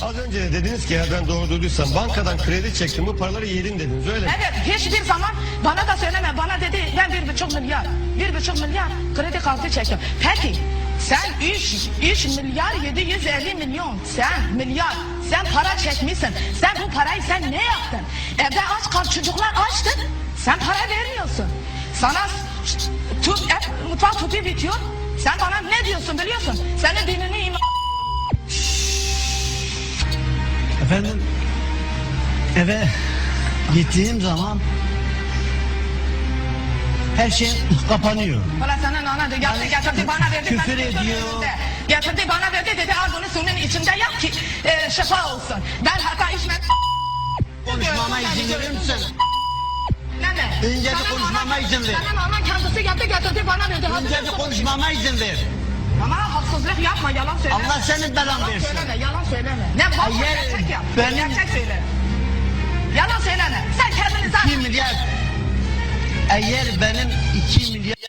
Az önce de dediniz ki eğer ben doğru duyduysam bankadan kredi çektim bu paraları yedin dediniz öyle mi? Evet, hiçbir zaman bana da söyleme. Bana dedi ben 1,5 milyar, 1,5 milyar kredi kartı çektim. Peki sen 3 milyar 750 milyon sen para çekmişsin. Sen bu parayı sen ne yaptın? Evde aç kal, çocuklar açtı. Sen para vermiyorsun. Sana mutfak tüpü bitiyor. Sen bana ne diyorsun biliyorsun? Senin dinini Efendim, eve gittiğim zaman her şey kapanıyor. Valla senin ana da getirdi bana verdi. Küfür ben ediyor. Getirdi bana verdi dedi al bunu suyun içinde yap ki şifa olsun. Ben hatta içme... Konuşmama izin verir misin? Ne? Önce bir konuşmama izin ver. Senin anan kendisi geldi getirdi bana verdi. Önce bir konuşmama izin ver. Ama haksızlık yapma, yalan söyleme. Allah senin belanı Yalan versin. söyleme, yalan söyleme. Ne bak Eğer gerçek yap. benim- Gerçek söyle. Yalan söyleme. Sen kendini zaten... 2 milyar. Eğer benim 2 milyar